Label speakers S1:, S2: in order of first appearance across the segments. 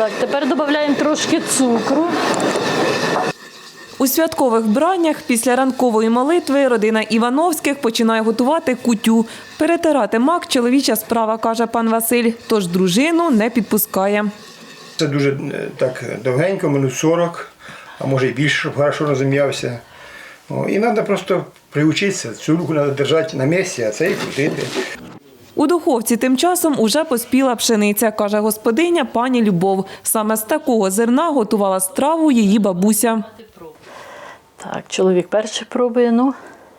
S1: Так, тепер додаємо трошки цукру.
S2: У святкових вбраннях після ранкової молитви родина Івановських починає готувати кутю. Перетирати мак – чоловіча справа, каже пан Василь, тож дружину не підпускає.
S3: Це дуже так довгенько, минут 40, а може і більше, щоб хорошо розім'явся. І треба просто приучитися, цю руку треба держати на місці, а це і крутити.
S2: У духовці тим часом уже поспіла пшениця, каже господиня пані Любов. Саме з такого зерна готувала страву її бабуся.
S1: Так, чоловік перший пробує, ну.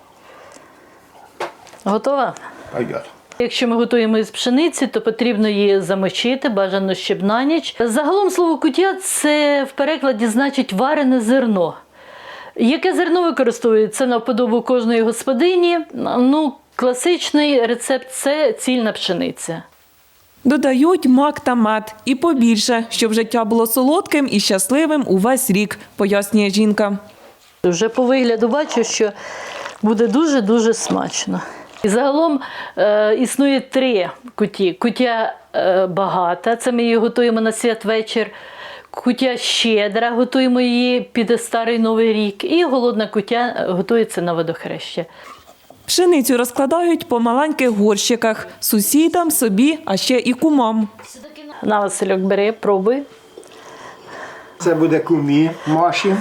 S1: Готова?
S3: Пойдет.
S1: Якщо ми готуємо із пшениці, то потрібно її замочити, бажано щоб на ніч. Загалом слово кутя – це в перекладі значить варене зерно. Яке зерно використовується на вподобу кожної господині? Ну, класичний рецепт – це цільна пшениця.
S2: Додають мак та мед. І побільше, щоб життя було солодким і щасливим увесь рік, пояснює жінка.
S1: Вже по вигляду бачу, що буде дуже-дуже смачно. І загалом існує 3 куті. Кутя багата, це ми її готуємо на святвечір. Кутя щедра, готуємо її під Старий Новий рік. І голодна кутя готується на водохреща.
S2: Пшеницю розкладають по маленьких горщиках – сусідам, собі, а ще і кумам.
S1: На, Васильок, бери, пробуй.
S3: Це буде кумі Маші.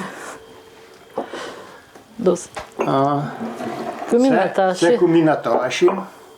S1: Досить. Кумі Наташі.
S3: Це кумі Наташі.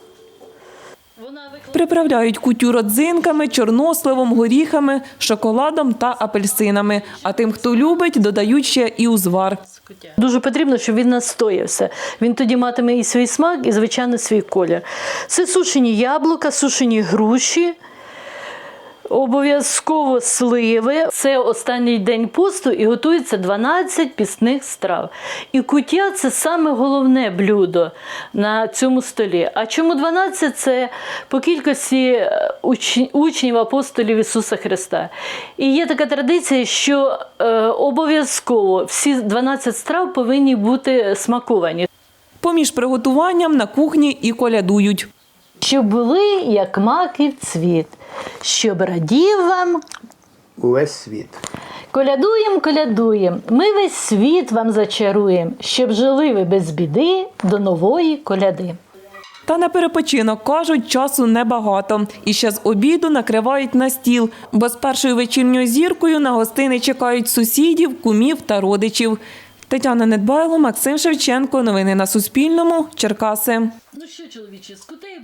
S2: Приправляють кутю родзинками, чорносливом, горіхами, шоколадом та апельсинами. А тим, хто любить, додають ще і узвар.
S1: Дуже потрібно, щоб він настоявся. Він тоді матиме і свій смак, і, звичайно, свій колір. Це сушені яблука, сушені груші, обов'язково сливи. Це останній день посту і готується 12 пісних страв. І кутя – це саме головне блюдо на цьому столі. А чому 12? Це по кількості учнів апостолів Ісуса Христа. І є така традиція, що обов'язково всі 12 страв повинні бути смаковані.
S2: Поміж приготуванням на кухні і колядують.
S1: Щоб були, як маків цвіт, щоб радів вам.
S3: Увесь світ.
S1: Колядуєм, колядуєм, ми весь світ вам зачаруєм, щоб жили ви без біди до нової коляди.
S2: Та на перепочинок, кажуть, часу небагато. І ще з обіду накривають на стіл, бо з першою вечірньою зіркою на гостини чекають сусідів, кумів та родичів. Тетяна Недбайло, Максим Шевченко. Новини на Суспільному. Черкаси.
S1: Ну що, чоловіче, скутей